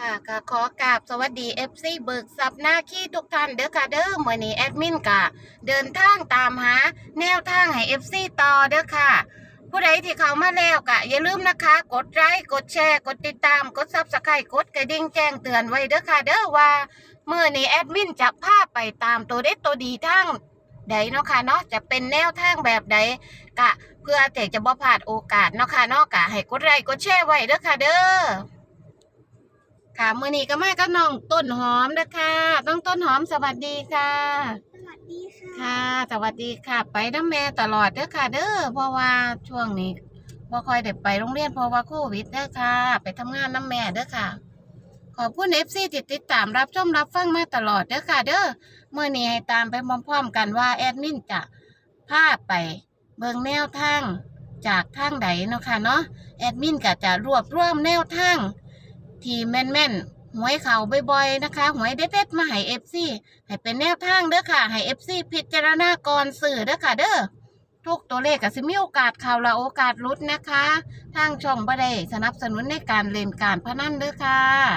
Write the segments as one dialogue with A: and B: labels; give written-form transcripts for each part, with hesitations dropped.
A: ค่ะก็ขอกราบสวัสดี FC เบิกทรัพย์หน้าขี้ทุกท่านเด้อค่ะเด้อมื้อนี้แอดมินก็เดินทางตามหาแนวทางให้ FC ต่อเด้อค่ะผู้ใดที่เข้ามาแล้วก็อย่าลืมนะคะกดไลค์กดแชร์กดติดตามกด Subscribe กดกระดิ่งแจ้งเตือนไว้เด้อค่ะเด้อว่ามื้อนี้แอดมินจะพาไปตามตัวเด็ดตัวดีทางใดเนาะค่ะเนาะจะเป็นแนวทางแบบใดก็เพื่อแต่จะบ่พลาดโอกาสเนาะค่ะเนาะก็ให้กดไลค์กดแชร์ไว้เด้อค่ะเด้อ ค่ะมื้อนี้ก็มากับน้องต้นหอมเด้อค่ะน้องต้นหอมสวัสดีค่ะ
B: สวัสดีค่ะ
A: ค่ะ สวัสดีค่ะ ไปน้ำแม่ตลอดเด้อค่ะ เด้อเพราะว่าช่วงนี้บ่ค่อยได้ไปโรงเรียนเพราะว่าโควิดเด้อค่ะ ไปทำงานน้ำแม่เด้อค่ะ ขอบคุณ FC ที่ติดตามรับชมรับฟังมาตลอดเด้อค่ะ เด้อมื้อนี้ให้ตามไปพร้อมๆกันว่าแอดมินจะพาไปเบิ่งแนวทางจากทางใดเนาะค่ะเนาะแอดมินก็จะรวบรวมแนวทาง ที่แม่นๆหวยเขาบ่อยๆนะคะหวยเด็ดๆมาให้ FC ให้เป็นแนวทางเด้อค่ะให้ FC พิจารณาก่อนซื้อเด้อค่ะเด้อทุกตัวเลขก็สิมีโอกาสเข้าและโอกาสหลุดนะคะ ทางช่องบ่ได้สนับสนุนในการเล่นการพนันเด้อค่ะ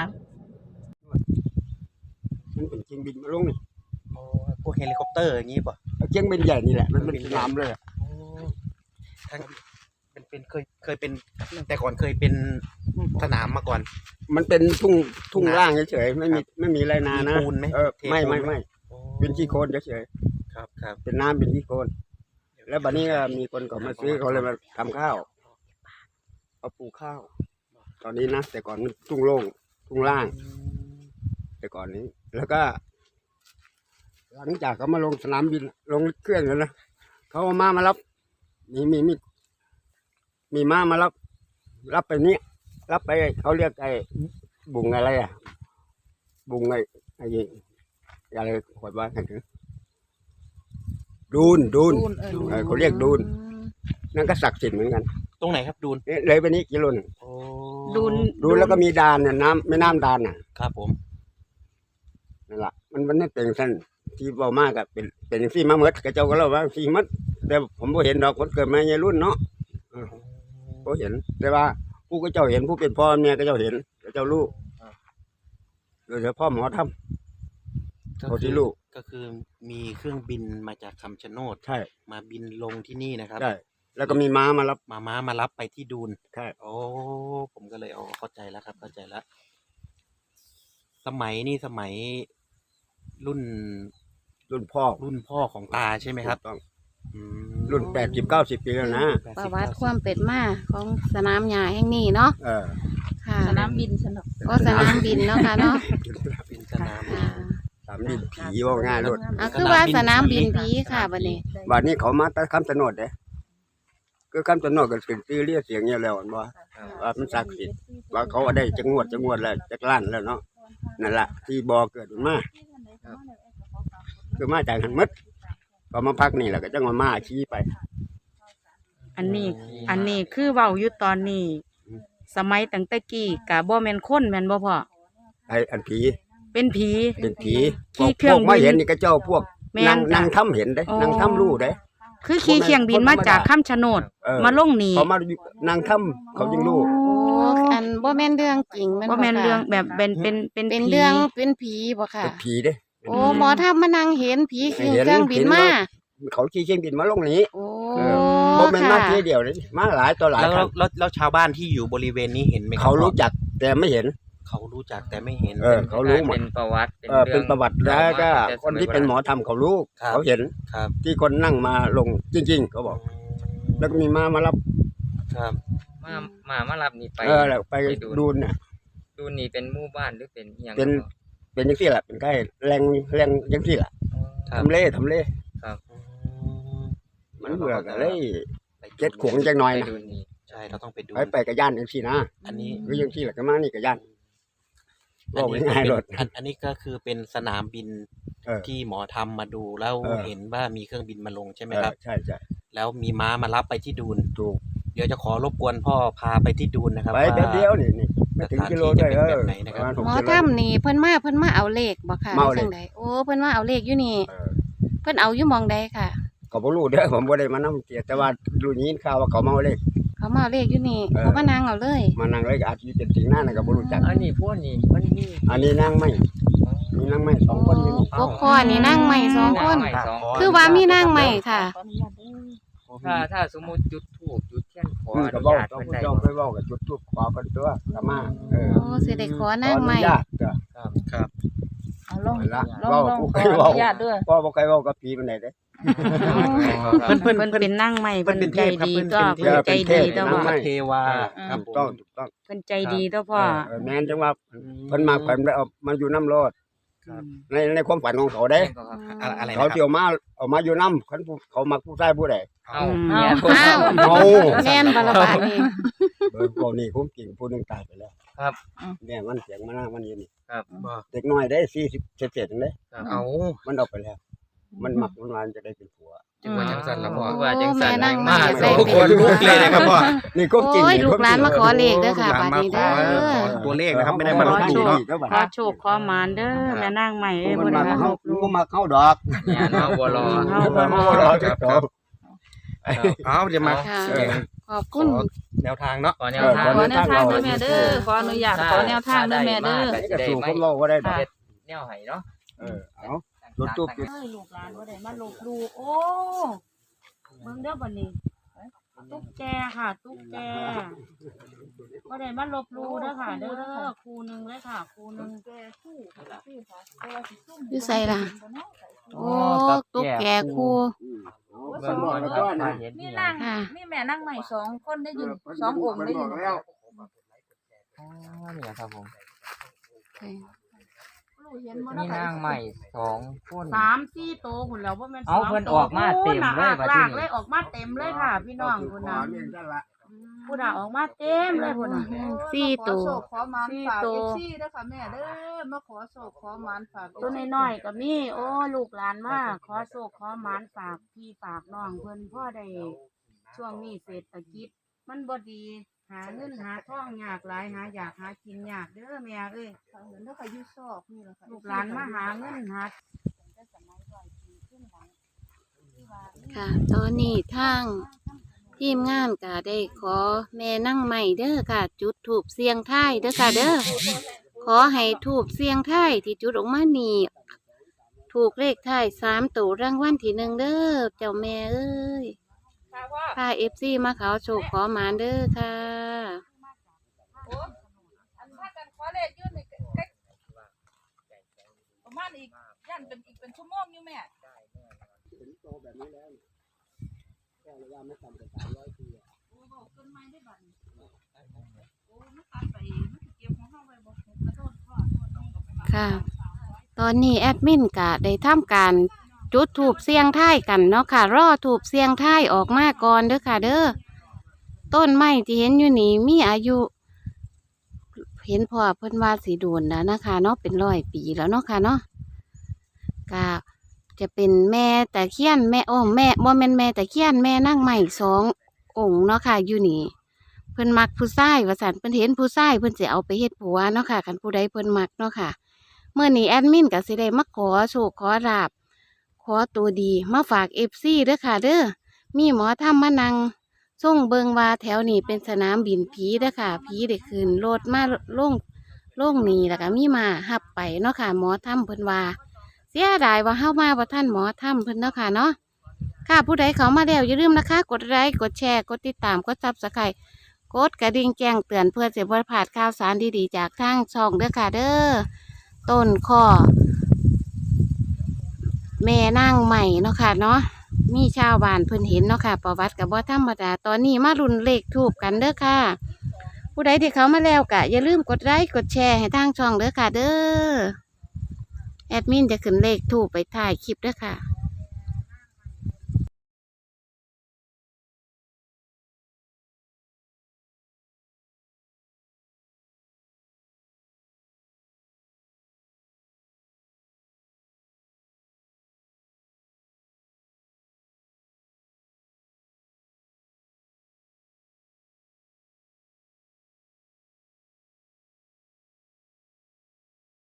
C: มันเป็นเชียงบินมาลงนี่
D: โอ้พวกเฮลิคอปเตอร์อย่างงี้ป่ะ
C: เชียงบินใหญ่นี่แหละมันเป็นสนามเลยอะ
D: โอ้ทั้งเป็นเคยเป็นแต่ก่อนเคยเป็นสนามมาก่อน
C: มันเป็นทุ่งล่างเฉยๆไม่มีไรนานะ
D: มีปูนไหม
C: ไม่
D: เทปูนไหม
C: ไม่
D: โอ้
C: เป็นขี้โคลนเฉย
D: ครับครับ
C: ๆเป็นน้ำเป็นขี้โคลนแล้วบัดนี้ก็มีคนเขามาซื้อเขาเลยมาทำข้าวเอาปลูกข้าว ตอนนี้นะแต่ก่อนมันทุ่งโล่งทุ่งล่าง แต่ก่อนนี้ แล้วก็ หลังจากเขามาลงสนามบินลงเครื่องแล้วนะเขาเอามารับมีม้ามารับไปนี้รับไปเขาเรียกไอ้บุงอะไรอ่ะ บุงไอ้อะไรขวดว่าไงถึงดูนเขาเรียกดูนนั่นก็ศักดิ์สิทธิ์เหมือนกัน
D: ตรงไหนครับดูน
C: เนี่ยเลยไปนี้กิโลนึง
D: โอ้
C: ดูนแล้วก็มีดานเนี่ยน้ำแม่น้ำดานน่ะ
D: ครับผม
C: นั่นแหละมันไม่เป็นสั้นที่เบามากอะเป็นที่มาเมดกระเจ้าก็เล่าว่าที่มัดแต่ผมบ่เห็นดอกคนเกิดมาในรุ่นเนาะบ่เห็นแต่ว่าผู้ก็เจ้าเห็นผู้เป็นพ่อเมียก็เจ้าเห็นก็เจ้าลูกโดยเฉพาะหมอทำเขาที่ลูก
D: ก็คือมีเครื่องบินมาจากคำชะโนด
C: ใช่
D: มาบินลงที่นี่นะครับ
C: ได้แล้วก็มีม้ามารับ
D: ม้ามารับไปที่ดูน
C: ใช่
D: โอ้ผมก็เลยเข้าใจแล้วครับเข้าใจแล้วสมัยรุ่น
C: รุ่นพ่อ
D: ของตาใช่ไหมครับ
C: ถูกต้อง
D: อืม
C: รุ่น80-90 ปีแล้วนะ
A: ประวัติความเป็นมาของสนามหญ้าแห่งนี้เนาะ ค่ะ
B: สนามบินสนุก
A: ก็สนามบินเนาะค่ะเนาะ
D: เป็นสนาม
A: ค่ะ
C: สามดินผีว่าง่ายรถ
A: คือว่าสนามบินผีค่ะบัดนี้
C: บัดนี้เขามาตั้งคำสนดเด้ก็คำสนดก็เป็นชื่อเรียกเสียงเนี่ยแล้วอันว่ามันศักดิ์สิทธิ์ว่าเขาเอาได้จักงวดแล้วจักล้านแล้วเนาะนั่นแหละที่บ่อเกิดมันมาคือมาจากหันมัดก็มาพักนี่แหละก็จังมาชี้ไป
E: อันนี้คือเว้าอยู่ตอนนี้ สมัยตั้งแต่กี้กะบ่แม่นคนแม่นบ่พ่อ
C: ไอ้อันผี
E: เป็นผี
C: เป็นผี
E: ขี่
C: พ
E: เครื่อ
C: ว
E: ง
C: กมา
E: บิน
C: เห็นนี่ก็เจ้าพวก
E: แม่น
C: นางทำเห็นเด้
E: อ๋อ
C: นางทำรู้เด้
E: คือขี่เครื่องบินมาจากคำชะโนด มาลงนี่
C: เขามาอยู่นางทำเขาจึงรู้
A: โอ้อันบ่แม่นเรื่องจริง
E: บ่แม่น
A: ค่ะ
E: เรื่องแบบเป็น
A: เป็น
E: ผี
A: เรื่องเป็นผีบ่ค่ะ
C: เป็นผีเด้
A: โอ้หมอทำมานั่งเห็นผีขี่
C: เห็น
A: เครื่องบิน
C: เห็น
A: มา
C: ว่า เขาขี่เครื่องบินมาลงนี้
A: โอ้
C: บ่แม่นมา
A: ค่ะ
C: ทีเดียวเลยมาหลายต่อหลาย
D: แล้ว
C: ครั้ง
D: แล้วชาวบ้านที่อยู่บริเวณนี้เห็นไหมคบ
C: เขารู้จักแต่ไม่เห็น
D: เขารู้จักแต่ไม่เห็น
C: เขารู้หมด
F: เป็นประวัติ
C: เป็นประวัติแล้วก็คนที่เป็นหมอทำเขารู้
D: ครับ
C: เขาเห็น
D: ครับ
C: ที่คนนั่งมาลงจริงๆเขาบอก แล้วก็มีมารับ
D: ครับ
F: มารับนี่ไป
C: แล้วไปดูเนี่ย
F: ดูนี่เป็นหมู่บ้านหรือเป็นอหย่าง
C: เป็นยังที่แหละเป็นใกล้แรงยังที่แหละ
D: ครับ
C: ทำเล่
F: ครับ
C: มันเบื่อกันเลยเจ็ดขวงจังหน่อย
F: ไป
C: นะ
F: ดูนี่
D: ใช่เราต้องไปดู
C: ไปกับย่านยังที่นะ
D: อันนี้
C: หรือยังที่แหละก็มานี่กับย่านบอกง่ายๆรถ
D: อันนี้ก็คือเป็นสนามบิน ที่หมอทำมาดูแล้ว เห็นว่ามีเครื่องบินมาลงใช่ไหมครับ
C: ใช่
D: แล้วมีม้ามารับไปที่ดูน
C: ถูก
D: เดี๋ยวจะขอรบกวนพ่อพาไปที่ดูนนะครับ
C: ไปแป๊บเดียวนี่ไม่ถึงกิโลด้วย
D: สถานที่จะเป็นแบบไหนนะครับ
C: ประ
A: หมอ
C: มาณ6
A: ทำนี่เพิ่นมาเอาเลขบ่ค่ะ
C: มาเอาเลข
A: จังใดโอ้เพิ่นมาเอาเลขอยู่นี่
C: เออ
A: เพิ่นเอาอยู่หมองใดค่ะ
C: ก็บ่รู้เด้อผมบ่ได้มานำเกียรติแต่ว่ารู้ยินข่าวว่าเขาเมาเลย
A: เขาเขามาเอาเลขอยู่นี่
C: เออ
A: เขามานั่งเอาเลย
C: มานั่งเลยก็อาจจะเป็นสิ่งหน้านั่นก็บ่รู้จัก
F: อันนี้พวกนี้มันมี
C: อันนี้นั่งไม่มีนั่งไม่2คนอยู่นี่
A: กกคอนี่นั่งใหม่สองคน
F: นั่งใหม่สองคน
A: คือว่ามีนั่งใหม่ค่ะ
F: ถ้าสมมุติจุดธูปจุดเทียนขออ
C: ก็
F: นุ
C: เว้า
F: ญาต
C: ต้อง
F: เพิ่น
C: ผู้
F: ได้
C: เจ้าไปเว้ากับจุดทูปขอกันตัวก็มา
A: โอ้สิได้ขอนั่งใหม่
C: ขออนุญาตจ้ะ
D: ครับ
E: เอาลง
C: ละ
E: ลง
C: เว้า
E: ลง
C: ผู้
E: ข
C: ใคร
E: ออ
C: เว้า
E: นุญาตด้วย
C: พ่อบ่ใครเว้ากับผีปานใดเด้
D: เพิ่น
E: เพิ่นเป็นนั่งใหม่
D: เพิ่
E: เพิ่
D: น
E: น
D: เป็น
E: ใจ
D: เทพครับ
E: ดี
D: เพิ่น
E: ก็
D: เป็นเท
E: เพิ่น
D: พ
E: ใจดีตัว
C: นั่
E: พ่อง
C: ใหม่
D: เทวาครับ
C: ถูก
D: ผ
C: ต้อง
D: ม
C: ถูกต้อง
E: เพิ่นใจดีตัวพ่อ
C: แม่นจังว่าเพิ่นมาเพิ่นได้เอามาอยู่น้ำรถ
D: ครับ
C: ในความฝันของเขาเด้
D: อะไรนะ
C: เขา
D: ค
C: เที่ย
D: รับ
C: วมาเอามาอยู่น้ำคันผู้เขามักผู้ชายผู้ใด
F: เอา
E: เอา
F: เนี่ย
A: อ้าว
C: เอา
A: แม่นบาระบาดนี่
C: พวกนี้ผมจริงผู้หนึงตายไปแล้ว
F: ครับ
C: เนี่ยมันเสียงมันมันอยู่นี่
D: บ่
C: เด็กน้อยได้40เศษๆจังได๋
D: เอา
C: มันเอาไปแล้ว มันมักมันวานจะได้เป็นผัว
F: จังว่าจังซั่นล่ะพ่อ
A: โอ้
F: ว่าจังซั่น
A: แม่นั่ง
F: มา
A: ใหม่
F: สอง
D: โอ้โห
F: คน
D: ลุกเลยนะครับพ่อ
C: นี่ก็จริง
A: โอ้ย
C: นี่
A: ลูกหลานมาขอเลขเด้อค่ะ
D: ลูกหลานมา
A: บัดนี้เด้อ
D: ขอตัวเลขนะครับไม่ได้มาลบหลู่เนาะ
E: ขอโชคขอหมานเด้อแม่นั่งใหม่เอ้ย
C: มั
E: บ่
C: น
E: ได้
C: มา
E: มา
C: เข้า
E: ลบหลู่
C: มันมาเข้าดอก
F: เนี่ยเนาะบ่รอ
E: เฮาบ่รอ
D: ครับเอาเดี๋ยวมา
A: ค่ะ
C: เออ
A: ขอบ
D: ข
A: คุ
D: อ
A: ณ
D: แนวทางเนาะ
F: ขอแนวทาง
E: ขอแนวทางเด้อแม่เด้อขออนุญาตขอแนวทางเด้อแม่เด้อ
C: นี่ก็สู่ผมเล่าว่าได้ดอก
F: เฮ็ดแนวให้เนาะ
C: เอาจุดทูปจุด
E: เอ้ยลูกหลานบ่ได้มาลบหลู่โอ้เบิ่งเด้อบัดนี้ตุ๊กแกค่ะ ตุ๊กแกบ่ได้มาลบหลู่เด้อค่ะ เด้อครูหนึงเลยค่ะครูหนึง
A: อยู่ไสล่ะ โอ้ตุ๊กแกคู่
F: เบิ่งก่อนครับถ้าเห็น
E: มี
F: อีห
E: นา
F: ยัง
E: งมีแม่นั่งใหม่สองคนได้ยินสององค์ได้ยิน
F: อ๋อเนี่ยครับผม
E: เห็นบ่
F: มีนางใหม่สองคน
E: สามสี่โตคุณแล้วว่าแม่น
F: เอาเพิ่นออกมาเต็มเลยบัดนี้
E: ลากเลยออกมาเต็มเลยค่ะ พี่น้องคุณน่ะคุณน่ะออกมาเต็มเลยคุณน่ะ
A: สี่ตัว
B: ขอโศกขอหมาน
E: สี่
B: ฝาก
E: ตัว
B: เอฟซีด้วยค่ะแม่เด้อมาขอโศกขอหมานฝาก
E: ตัวน้อยๆก็มีโอ้ลูกหลานมาขอโชคขอหมานฝากพี่ฝากน้องเพิ่นพ่อได้ช่วงนี้เศรษฐกิจมันบ่ดีหาเงินหาทองยากหลายหาอยากหากินยากเด้อแม่เอ้ย
B: เหมือนถ้าใครยุ่ชอบนี่แหละค่ะ
E: ลูกหลานมาหาเงินหา
A: ค่ะ ตอนนี้ทางทีมงานก็ได้ขอแม่นั่งใหม่เด้อค่ะ จุดถูบเสียงท้ายเด้อค่ะเด้อขอให้ถูบเสียงท้ายที่จุดออกมานี่ถูกเลขท้าย3ตัวรางวัลที่1เด้อเจ้าแม่เอ้ยพาFCมาเขาโชคขอหมานเด้อค่ะ
B: อันถ้ากันขอเลขยื่นนี่ประมาณอีกยันเป็นชั่วโมงอยู่แม่
A: ค่ะ ตอนนี้แอดมินก็ได้ทำการจุดถูบเสียงท้ายกันเนาะค่ะ รอถูบเสียงท้ายออกมาก่อนเด้อค่ะ เด้อต้นไม้ที่เห็นอยู่นี่มีอายุ เห็นพ่อเพิ่นว่าสีโดนแล้วนะคะเนาะเป็น100 ปีแล้วเนาะค่ะเนาะก็จะเป็นแม่ตะเคียนแม่แม่บ่แม่นแม่ตะเคียนแม่นั่งใหม่2 องค์เนาะค่ะอยู่นี่เพิ่นมักผู้ชายว่าซั่นเพิ่นเห็นผู้ชายเพิ่นสิเอาไปเฮ็ดผัวเนาะค่ะคันผู้ใดเพิ่นมักเนาะค่ะเมื่อนี้แอดมินก็สิได้มาขอโชคขอลาบขอตัวดีมาฝาก FC เด้อค่ะเด้อมีหมอทำมานั่งส่งเบิงว่าแถวนี้เป็นสนามบินผีเด้อค่ะผีได้ขึ้นรถมาลงนี่แล้วก็มีมาหับไปเนาะค่ะหมอทำเพิ่นว่าเสียดายว่าเฮามาบ่ทันหมอทำเพิ่นเนาะค่ะเนาะค่ะผู้ใดเข้ามาแล้วอย่าลืมนะคะกดไลค์กดแชร์กดติดตามกดSubscribeกดกระดิ่งแจ้งเตือนเพื่อจะบ่พลาดข่าวสารดีๆจากทางช่องเด้อค่ะเด้อต้นข้อแม่นางใหม่เนาะค่ะเนาะมีชาวบ้านเพิ่นเห็นเนาะค่ะประวัติกับบ่ธรรมดาตอนนี้มารุ่นเลขทูบกันเด้อค่ะผู้ใดที่เขามาแล้วก็อย่าลืมกดไลค์กดแชร์ให้ทางช่องเด้อค่ะเด้อแอดมินจะขึ้นเลขทูบไปถ่ายคลิปเด้อค่ะ